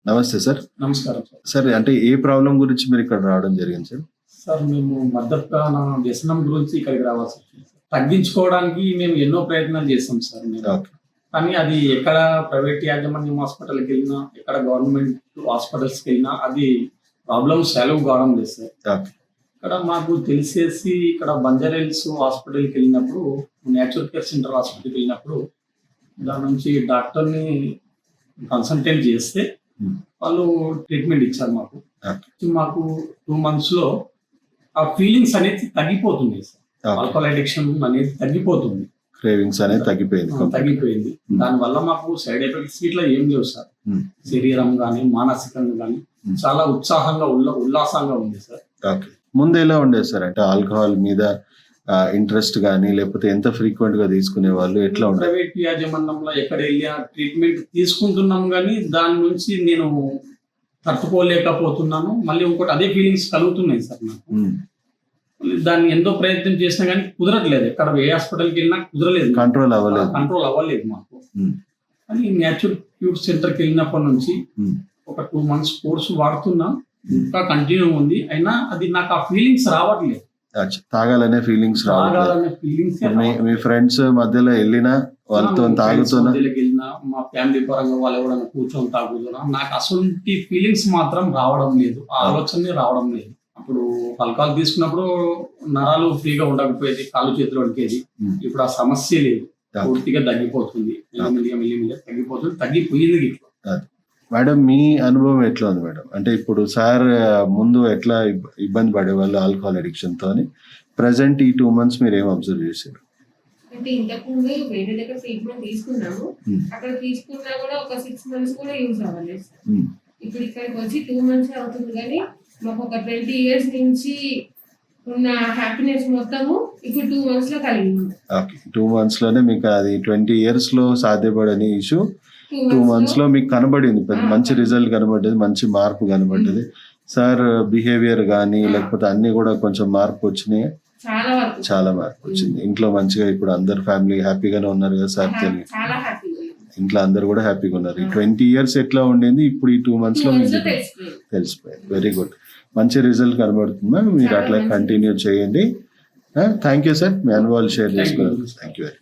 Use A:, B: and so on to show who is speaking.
A: నమస్తే సార్.
B: నమస్కారం sir.
A: Sir అంటే ఏ ప్రాబ్లం గురించి మీరు ఇక్కడ రావడం జరిగింది సార్?
B: సార్ మేము మద్యపాన వ్యసనం గురించి ఇక్కడికి రావాల్సి వచ్చింది సార్. తగ్గించుకోవడానికి మేము ఎన్నో ప్రయత్నాలు చేస్తాం సార్ మేము.
A: ఓకే.
B: కానీ అది ఎక్కడ ప్రైవేట్ యాజమాన్యం హాస్పిటల్కి వెళ్ళినా, ఎక్కడ గవర్నమెంట్ హాస్పిటల్స్కి వెళ్ళినా అది ప్రాబ్లం సాల్వ్ కావడం లేదు సార్.
A: ఓకే.
B: ఇక్కడ మాకు తెలిసేసి ఇక్కడ బంజారాహిల్స్ హాస్పిటల్కి వెళ్ళినప్పుడు, నేచురల్ కేర్ సెంటర్ హాస్పిటల్కి వెళ్ళినప్పుడు దాని నుంచి డాక్టర్ని కన్సల్టెంట్ చేస్తే వాళ్ళు ట్రీట్మెంట్ ఇచ్చారు మాకు. మాకు 2 months లో ఆ ఫీలింగ్స్ అనేది తగ్గిపోతుంది సార్. ఆల్కహాల్ అడిక్షన్ అనేది తగ్గిపోతుంది,
A: క్రేవింగ్స్ అనేది
B: తగ్గిపోయింది. దానివల్ల మాకు సైడ్ ఎఫెక్ట్స్ ఇట్లా ఏం లేవు సార్. శరీరం కానీ మానసికంగా కానీ చాలా ఉత్సాహంగా ఉల్లాసంగా ఉంది సార్.
A: ఓకే. ముందు ఎలా ఉండేది సార్? అంటే ఆల్కహాల్ మీద ఇంట్రెస్ట్ కానీ లేకపోతే ఎంత ఫ్రీక్వెంట్ గా తీసుకునే వాళ్ళు, ఎట్లా ఉండే?
B: ప్రైవేట్ యాజమాన్యంలో ఎక్కడ వెళ్ళి ట్రీట్మెంట్ తీసుకుంటున్నాం కానీ దాని నుంచి నేను తట్టుకోలేకపోతున్నాను. మళ్ళీ ఇంకోటి అదే ఫీలింగ్స్ కలుగుతున్నాయి సార్ నాకు. దాన్ని ఎంతో ప్రయత్నం చేసినా కానీ కుదరట్లేదు. ఎక్కడ ఏ హాస్పిటల్కి వెళ్ళినా కుదరలేదు, కంట్రోల్ అవ్వలేదు మాకు. కానీ నేచురల్ క్యూర్ సెంటర్కి వెళ్ళినప్పటి నుంచి ఒక 2 months కోర్సు వాడుతున్నా, ఇంకా కంటిన్యూ ఉంది. అయినా అది నాకు ఆ ఫీలింగ్స్ రావట్లేదు.
A: తాగాలనే ఫీలింగ్స్ మీ ఫ్రెండ్స్ మధ్యలో వెళ్ళినా వాళ్ళతో తాగుతున్నా,
B: మా ఫ్యామిలీ పరంగా వాళ్ళు ఎవరైనా కూర్చొని తాగుతున్నా, నాకు అసలు ఫీలింగ్స్ మాత్రం రావడం లేదు, ఆలోచన రావడం లేదు. అప్పుడు ఆల్కహాల్ తీసుకున్నప్పుడు నరాలు ఫ్రీగా ఉండకపోయేది, కాళ్ళు చేతులు వడికేది. ఇప్పుడు ఆ సమస్య లేదు, పూర్తిగా తగ్గిపోతుంది, మెల్లిమెల్లిగా తగ్గిపోయింది.
A: మేడం మీ అనుభవం ఎట్లా ఉంది మేడం? అంటే ఇప్పుడు సార్ ముందు ఎట్లా ఇబ్బంది పడేవాళ్ళు ఆల్కహాల్ అడిక్షన్ తోని, ప్రెసెంట్ ఈ 2 months మీరు ఏం అబ్జర్వ్ చేశారు?
C: అంటే ఇంతకుముందు వేరే దగ్గర ట్రీట్మెంట్ తీసుకున్నాము, అక్కడ తీసుకున్నా కూడా ఒక 6 months కూడా యూజ్ అవ్వలేదు. ఇప్పుడు ఇక్కడికి వచ్చి 2 months అవుతుంది, కానీ మాకు ఒక 20 years నుంచి ఉన్న హ్యాపీనెస్ మొత్తము ఇప్పుడు 2 months లో కలిగింది.
A: ఓకే. 2 months లోనే మీకు అది 20 years లో సాధ్యపడని ఇష్యూ 2 months లో మీకు కనబడింది, మంచి రిజల్ట్ కనబడ్డది, మంచి మార్పు కనబడ్డది. సార్ బిహేవియర్ కానీ లేకపోతే అన్ని కూడా కొంచెం మార్పు వచ్చినాయి, చాలా మార్పు వచ్చింది. ఇంట్లో మంచిగా ఇప్పుడు అందరు ఫ్యామిలీ హ్యాపీగానే ఉన్నారు కదా సార్? ఇంట్లో అందరు కూడా హ్యాపీగా ఉన్నారు. ఈ 20 years ఎట్లా ఉండింది ఇప్పుడు ఈ 2 months లో తెలిసిపోయింది. వెరీ గుడ్, మంచి రిజల్ట్ కనబడుతుంది. మీరు అట్లా కంటిన్యూ చేయండి. థ్యాంక్ యూ సార్, మీ అనుభవాలు షేర్ చేసుకున్నారు. Thank you.